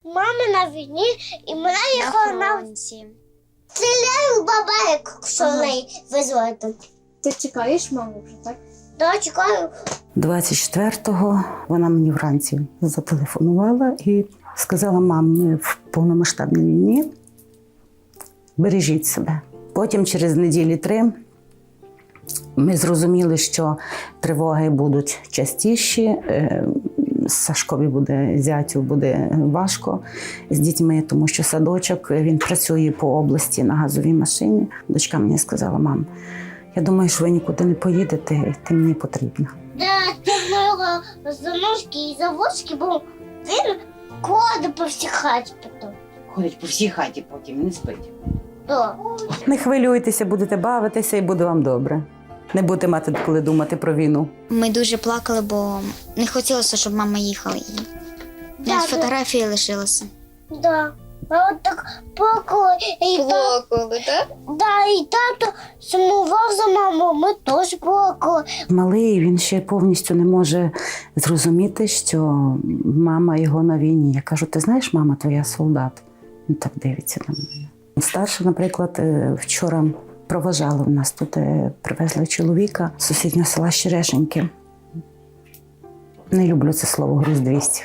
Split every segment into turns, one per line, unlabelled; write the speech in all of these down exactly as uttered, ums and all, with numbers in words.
мама на війні, і мене їхала на
фронті.
стріляю бабайку, що
Ага.
неї визвати.
Ти чекаєш маму вже, так?
Да, чекаю.
двадцять четвертого вона мені вранці зателефонувала і сказала: мам, ми в повномасштабній війні, бережіть себе. Потім через неділі три ми зрозуміли, що тривоги будуть частіші, е, Сашкові буде, зятю буде важко з дітьми, тому що садочок, він працює по області на газовій машині. Дочка мені сказала: мам, я думаю, що ви нікуди не поїдете, ти мені потрібна.
Да, це моєго заножки і заводськи, бо він ходить по всій хаті потім.
Ходить по всій хаті потім, не спить.
Да.
Не хвилюйтеся, будете бавитися і буде вам добре. Не будете мати коли думати про війну.
Ми дуже плакали, бо не хотілося, щоб мама їхала. І
Да,
навіть
да.
фотографії лишилися.
Да. А от так плакали. І та-
Плакали, так?
да, і тато сумував за мамою, ми теж плакали.
Малий, він ще повністю не може зрозуміти, що мама його на війні. Я кажу: ти знаєш, мама твоя солдат? Він так дивиться на мене. Старша, наприклад, е, вчора проважали в нас тут, е, привезли чоловіка з сусіднього села Щерешеньки. Не люблю це слово «груз двісті».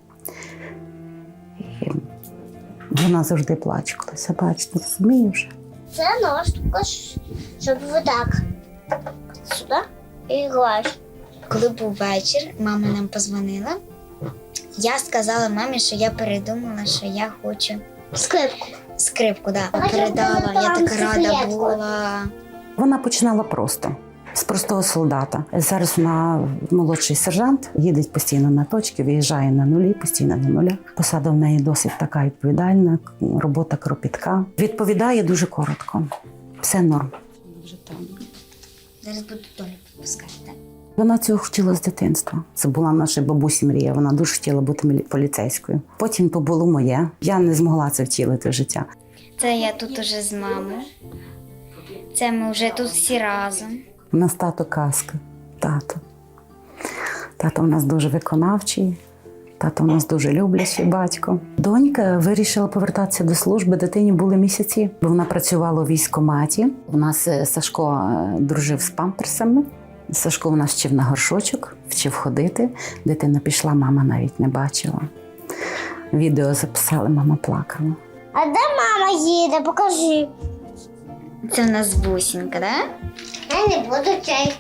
І вона завжди плаче, коли це бачить, не розуміє вже.
Це нож, також, щоб ви так сюди і гладь.
Коли був вечір, мама нам позвонила. Я сказала мамі, що я передумала, що я хочу
Скрипку.
скрипку. Да.
А я
Передала,
була
я
там
така рада
секретку.
була.
Вона починала просто, з простого солдата. Зараз вона молодший сержант, їде постійно на точки, виїжджає на нулі, постійно на нулях. Посада в неї досить така відповідальна, робота кропітка. Відповідає дуже коротко. Все норм.
Зараз буду долю підпускати. Так?
Вона цього хотіла з дитинства. Це була наша бабусі мрія. Вона дуже хотіла бути мілі- поліцейською. Потім то було моє. Я не змогла це втілити в життя.
Це я тут уже з мамою. Це ми вже тут всі разом.
У нас тато казка. Тато. Тато у нас дуже виконавчий. Тато у нас дуже люблячий батько. Донька вирішила повертатися до служби. Дитині були місяці, бо вона працювала у військкоматі. У нас е, Сашко е, дружив з памперсами. Сашко у нас вчив на горшочок, вчив ходити. Дитина пішла, мама навіть не бачила. Відео записали, мама плакала.
А де мама їде? Покажи.
Це в нас бусінка, так?
Я не буду чай.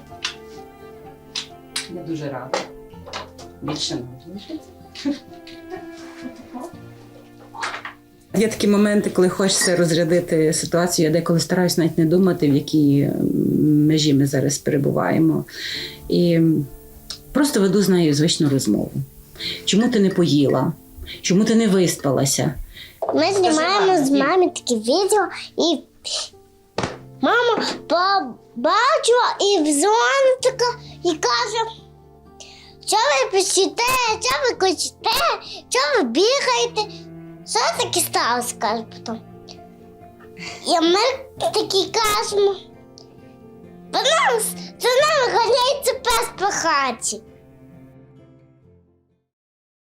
Я дуже рада. Більше не залишиться. Є такі моменти, коли хочеться розрядити ситуацію. Я деколи стараюсь навіть не думати, в якій межі ми зараз перебуваємо. І просто веду з нею звичну розмову. Чому ти не поїла? Чому ти не виспалася?
Ми знімаємо з мамою такі відео, і мама побачила і дзвонить така і каже: що ви пишете, що ви кричите, що ви бігаєте? Що таке сталося, каже потім. І ми такі кажемо: за нами, за нами ганяється пес по хаті.